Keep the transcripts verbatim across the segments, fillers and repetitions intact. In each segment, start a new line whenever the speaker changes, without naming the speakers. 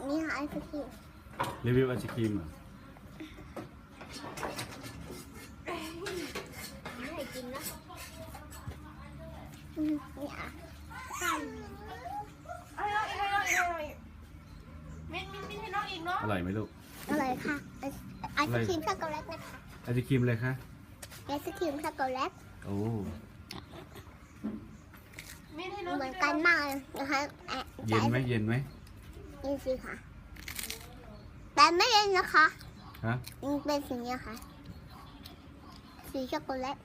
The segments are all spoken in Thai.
นี่ค่ะไอศครีม
รีวิวไอศครีมเหรอ
ไม่ให้กินนะอืมนี่อ่ะข้าว
อร่อยอร่อยอร่อยมิ้นมิ้นมิ้นให้น้องอีกเนาะ
อร่อยไหมลูก
อร่อยค่ะไอไอศครีมช็อกโกแลตนะคะ
ไอศครีมเลยคะ
ไอศครีมช็อกโกแลต
โอ้
มิ้นให้น้อง
เหมือนกันมากเลยนะคะแอะ
เย็นไหมเย็นไหม
เย็นสิค่ะแต่ไม่เย็นนะคะ
ฮะ
มันเป็นสีนี้ค่ะสีช็อกโกแลต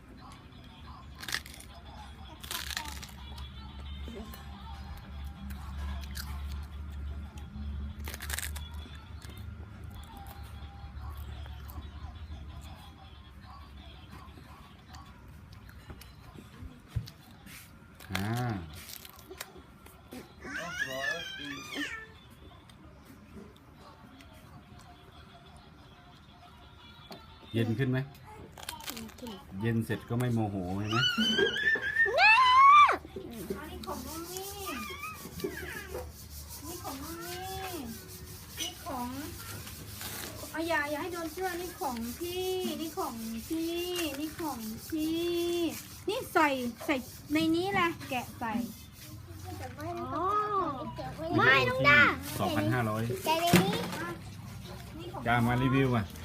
อ่าเย็นขึ้นไหมเย็นเสร็จก็ไม่โมโหใช่ไหม
อันนี้ของน้องนี่นี่ของน้องนี่นี่ของเอาอย่าอย่าให้โดนเสื้อนี่ของพี่นี่ของพี่นี่ของพี่นี่ใส่ใส่ในนี้แหละแกะใส่
ไม่ต้องด่า
สองพันห้าร้อย
ใจในนี้
นี่ของ
กามารีวิวอ่ะ